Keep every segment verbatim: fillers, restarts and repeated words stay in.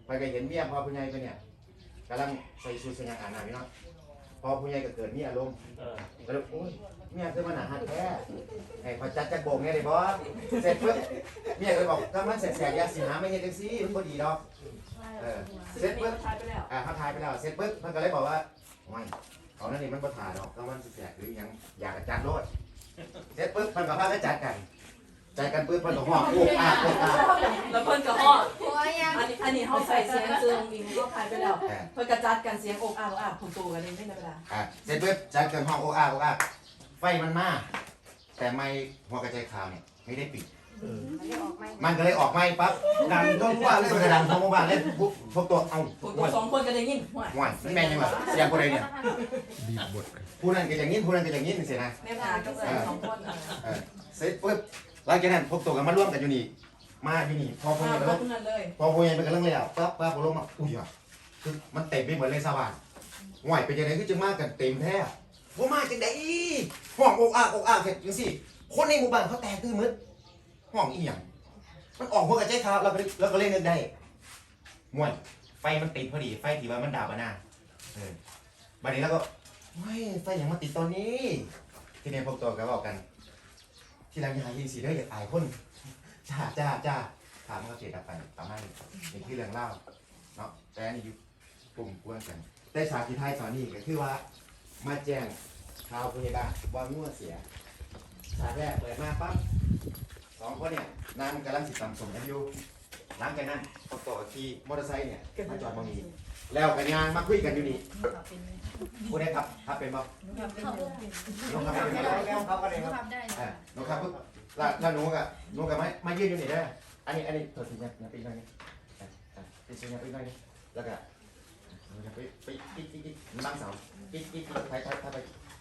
ไปก็เห็นเมียพอผู้ใหญ่ไปเนี่ยกำลังใส่ชุดสง่าอ่านหน้าพี่น้องพอผู้ใหญ่ก็เกิดมีอารมณ์ก็เลยโอ้ยเมียคือมันหนาหัดแท้ไอ้พอจัดจักโบกเนี่ยเลยบอสเสร็จปุ๊บเมียก็บอกถ้ามันเสร็จแสกยาสีหาไม่เห็นจังซี่มันพอดีดอกเออเสร็จปุ๊บอ่าเขาทายไปแล้วเสร็จปุ๊บมันก็เลยบอกว่าไม่เอานั่นนี่มันก็ถ่ายดอกถ้ามันแสกหรือยังอยากจัดโลดเสร็จปุ๊บมันก็พาไปจัดกันจัดกันปุ๊บมันก็ห่อโอ้อาโอ้อาแล้วเพิ่นก็ห่ออันนี้อันนี้เขาใส่เสียงซึ่งอิงก็ทายไปแล้วเพิ่นกระจัดกันเสียงอกอาอกอาผมตัวกันเองไม่ได้เวลาอ่าเสร็จปุ๊บจัดกันห่อโอ้อาโอ้อาไฟมันมาแต่ไม่หัวกระจายข่าวเนี่ยไม่ได้ปิดมันก็เลยออกไม่ปั๊บดังทั่วหมู่บ้านเลยมันก็ดังทั่วหมู่บ้านเลยพวกพวกตัวเอาพวกตัวสองคนก็ได้ยินห่วยห่วยนี่แม่ยังไงเสียงคนใดเนี่ยบีบบทผู้นั้นก็อย่างนี้ผู้นั้นก็อย่างนี้นี่สินะแม่พาก็ใส่สองคนเออเสร็จปุ๊บหลังจากนั้นพวกตัวกันมาร่วมกันอยู่นี่มาอยู่นี่พอพวกนี้ก็ลงพอพวกนี้มันก็เรื่องแล้วปั๊บปั๊บพอลงมาอุ้ยอ่ะคือมันเต็มไปหมดเลยสว่างห่วยเป็นยังไงคือจะมากันเต็มแท้พวกมาจังไดห้องอกอักอกอักเสร็จจังสิคนในหมู่บ้านเขาแตกตื่นมืดห้องอีหยังมันออกพวกกระจายข่าวเราก็เราก็เล่นนึกได้ม่วนไฟมันติดพอดีไฟที่ว่ามันดาบมาหน้าเออบัดนี้แล้วก็ไม่ไฟอย่างมาติดตอนนี้ที่นี่พวกตัวก็บอกกันที่ร้านยายินสีได้อยากอายคนจ้าจ้าจ้าถามเขาเสียดับไปประมาณนี้เป็นที่เรื่องเล่าเนาะแต่อันนี้อยู่กลุ่มกวนกันแต่ฉากที่ท้ายตอนนี้ก็คือว่ามาแจ้งข่าวพยาบาลว่างัวเสียฉากแรกเปิดมาปั๊บสองคนเนี่ยนางกำลังสิตำสมกันอยู่หลังจากนั้นพอต่อขี่มอเตอร์ไซค์เนี่ยมาจอดมองนี้แล้วกันยางมาคุยกันอยู่นี่ผู้ใดครับครับเป็นบ่น้องครับเป็นบ่น้องครับก็ได้ครับอ่าน้องครับปุ๊บแล้วแล้วหนูกับหนูกับมามายืนอยู่นี่ได้อันนี้อันนี้ถอดสิเนี่ยเนี่ยปีกหน่อยนี่ปีกเนี่ยปีกหน่อยนี่แล้วก็ไปไปปีกปีกปีกบางเสาปีกปีกปีกไปไปไป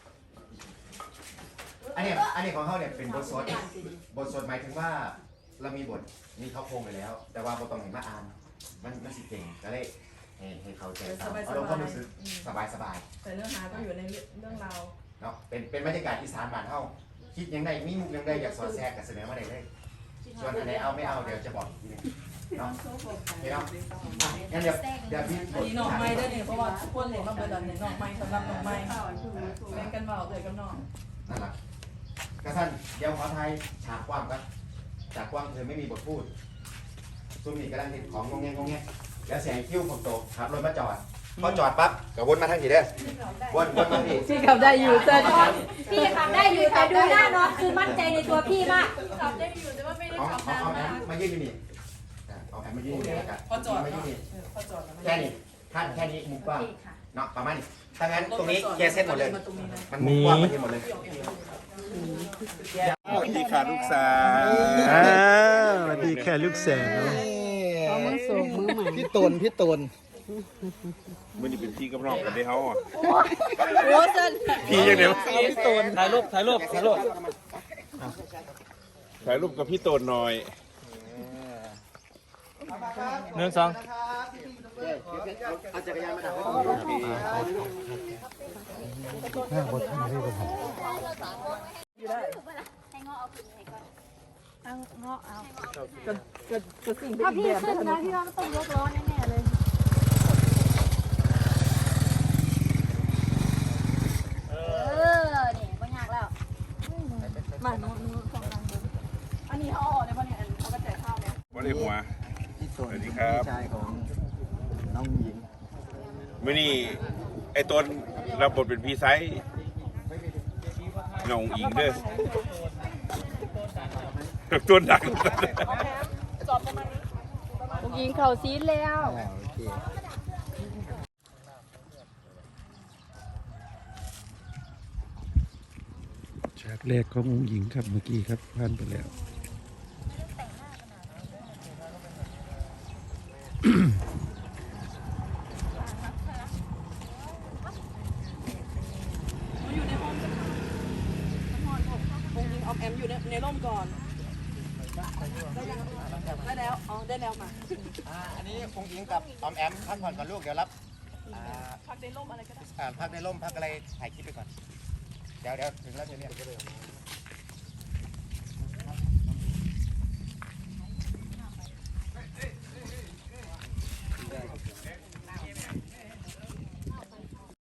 อันนี้อันนี้ของเขาเนี่ยเป็นบทสวดบทสวดหมายถึงว่าเรามีบทมีเขาโครงไปแล้วแต่ว่าบทต้องเห็นมาอ่านมันมันสิเก่งก็เลยให้ให้เขาใจตามอารมณ์ความรู้สึกสบายสบายแต่เนื้อหาก็อยู่ในเรื่องราวเนาะเป็นเป็นบรรยากาศอีสานบ้านเฮาคิดยังไงมีมุกยังไงอยากสอดแทรกกับเสนอมาได้เลยส่วนอันไหนเอาไม่เอาเดี๋ยวจะบอกทีนึงเนาะเห็นเนาะงั้นเดี๋ยวเดี๋ยวพี่อันนี้น้องไม้ได้เนี่ยเพราะว่าทุกคนเห็นว่าเป็นแบบนี้น้องไม้สำหรับน้องไม้แบ่งกันเบาเลยกับน้องนั่นแหละกระสันเดี๋ยวขอไทยฉากกว้างกันฉากกว้างคือไม่มีบทพูดซุ่มนี่กำลังเห็นของงงแงงงแงแล้วเสียงคิ้วผมโตขับรถมาจอดพอจอดปั๊บก็วนมาทางนี้เด้อวนวนมาที่พี่ขับได้อยู่แต่พี่ขับได้อยู่แต่ดูหน้าน้องคือมั่นใจในตัวพี่มากขับได้อยู่แต่ว่าไม่ได้ขับนานมากมายืนอยู่นี่เอาแอมมายืนอยู่นี่กันพอจอดมายืนนี่พอจอดแค่นี้ขั้นแค่นี้มุมกว้างเนาะประมาณนี้ถ้างั้นตรงนี้แค่เส้นหมดเลยมันมุมกว้างมันเห็นหมดเลยพี่ขาลูกสาวอ้าวสวัสดีค่ะลูกสาวเขามือสูงมือใหม่พี่ตนพี่ตนมันนี่เป็นพี่กับน้องกันได้เขาอ่ะโอ้สันพี่ยังเดี๋ยวพี่ตนถ่ายรูปถ่ายรูปถ่ายรูปถ่ายรูปกับพี่ตนหน่อยหนึ่งสองเอาจักรยานมาดักห้าบทห้าเรื่องของอยู่ได้ให้เงาะเอาขึ้นให้ก่อนเอาเงาะเอาจะจะจะสิ่งเป็นถ้าพี่แบบขึ้นนะพี่ว่าต้องยกล้อแน่ๆเลยเออนี่ก็ยากแล้วมาหนูหนูสองทางเดินอันนี้เขาออกในวันนี้เขาก็แจกข้าวเนี่ยวันนี้หัวสวัสดีครับชายของน้องหญิงมื่อนี้ไอ้ตนรับบทเป็นพี่ไซส์เงาอิงเด้อตัวดังผู้หญิงเขาซีดแล้วฉากแรกขององค์หญิงครับเมื่อกี้ครับผ่านไปแล้วออมแอมอยู่ในในร่มก่อนได้แล้วอ๋อได้แล้วมาอ่าอันนี้คงยิงกับออมแอมพักผ่อนก่อนลูกเดี๋ยวรับอ่าพักในร่มอะไรก็ได้อ่าพักในร่มพักอะไรถ่ายคลิปไปก่อนเดี๋ยวเดี๋ยวถึงแล้วจะเรียก